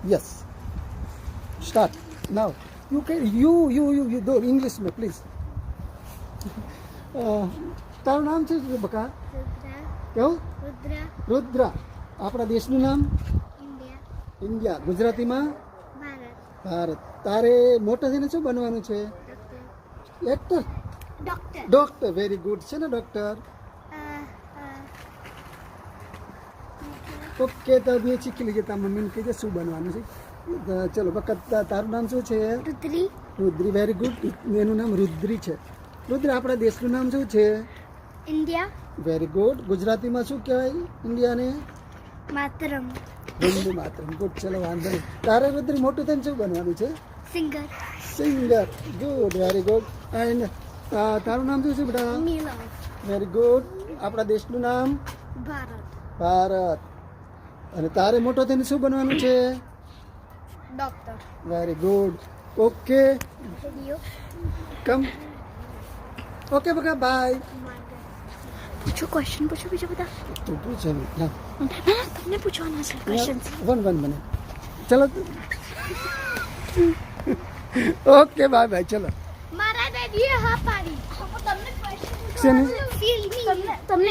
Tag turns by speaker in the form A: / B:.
A: Yes start now you can you do English में please તારું નામ છે બકા
B: રુદ્રા
A: કેવું
B: રુદ્રા
A: રુદ્રા આપણા દેશનું નામ
B: ઇન્ડિયા
A: ઇન્ડિયા ગુજરાતીમાં
B: ભારત
A: ભારત તારે મોટા થઈને શું બનવાનું છે
B: doctor
A: actor
B: doctor
A: doctor very good છે ને ડોક્ટર ઓકે તો બે શીખી લીધી તાર મમ્મીને કહીજે શું બનવાનું છે ચલો બકા તારું નામ શું છે
B: રુદ્રી
A: રુદ્રી વેરી ગુડ એનું નામ રુદ્રી છે રુદ્ર આપણા દેશનું નામ શું છે
B: ઇન્ડિયા
A: વેરી ગુડ ગુજરાતીમાં શું કહેવાય ઇન્ડિયાને
B: માતરમ
A: વંદે માતરમ ગુડ ચલો વાંધો નહીં તારે રુદ્રી મોટું થઈને શું બનવાનું છે
B: singer
A: singer good very good and તારું નામ શું છે બેટા
B: મિલન
A: વેરી ગુડ આપણા દેશનું નામ
B: ભારત
A: ભારત અને તારે મોટો થઈને શું બનવાનું છે
B: doctor
A: very good okay
B: radio
A: come okay બકા બાય
B: પૂછો ક્વેશ્ચન પૂછો બીજા બધા
A: તું પૂછે ના
B: તમને પૂછવાના છે ક્વેશ્ચન
A: વન મને ચલો ઓકે બાય બાય ચલો
B: મારા દાદીએ હા પાડી તમને ક્વેશ્ચન
A: શેની?
B: તમને